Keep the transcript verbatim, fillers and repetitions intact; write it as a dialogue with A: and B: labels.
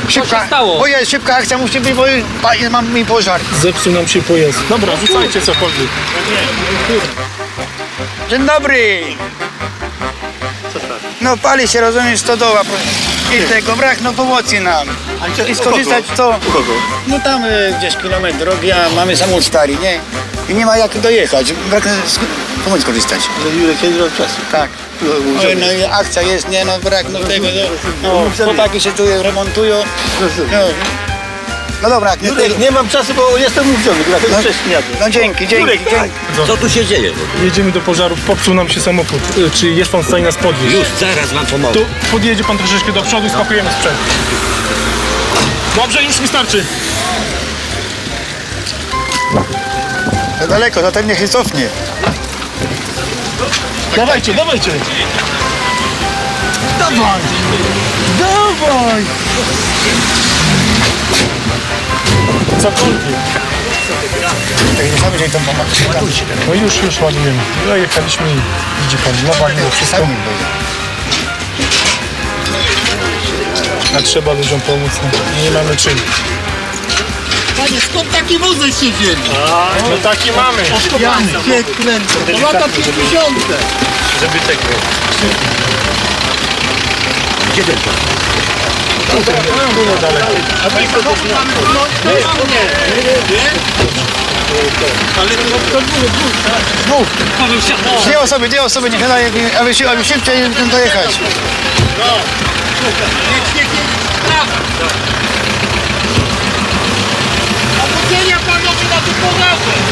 A: Szybka,
B: stało?
A: bo jest szybka akcja, musi być, bo pa- mam mi pożar.
C: Zepsuł nam się pojazd. Dobra, rzucajcie cokolwiek.
A: Dzień dobry. No pali się, rozumiesz, stodoła. I tego brak, no pomocy nam. I skorzystać co? No tam y, gdzieś kilometr drogi, a mamy samochód stary, nie? I nie ma jak dojechać, brak sk- pomocy skorzystać.
D: Kiedy od czasu.
A: Tak. No, no i akcja jest, nie no brak, no tego, no, no chłopaki się tu remontują. No, no dobra, nie,
D: Jurek, nie mam czasu, bo jestem umówiony, dlatego
A: no,
D: wcześniej jadę.
A: no dzięki, dzięki,
D: Jurek,
A: dzięki.
E: Co tu się dzieje?
C: Jedziemy do pożaru, popsuł nam się samochód. Y, Czy jest pan w stanie nas podwieźć?
E: Już zaraz wam pomogę.
C: Tu podjedzie pan troszeczkę do przodu i spakujemy sprzęt. Dobrze, już mi starczy.
A: To daleko, to ten niech się cofnie.
C: Dawajcie, dawajcie.
A: Dawaj! Dawaj!
C: Cokolwiek.
A: Tak nie sami, że im tam pomagać.
C: No już, już ładujemy. Dojechaliśmy i widzi pan, nowa mimo wszystko.
A: Sami
C: A trzeba ludziom pomóc, no. Nie mamy czym.
D: Panie, skąd taki wózek się wzięli?
C: No taki mamy.
D: Ja się kręcę. To lata pięćdziesiąte.
C: Żeby tego.
E: Gdzie ten pan?
C: Tu niedaleko.
D: A my samochód mamy no, nie, nie, nie. Ale to dwóch, dwóch, tak?
A: Dwie osoby, dwie osoby, niech daje, aby, się- aby szybciej dojechać.
D: No. Niech się prawa. A podzielnia panowie na tym porażę.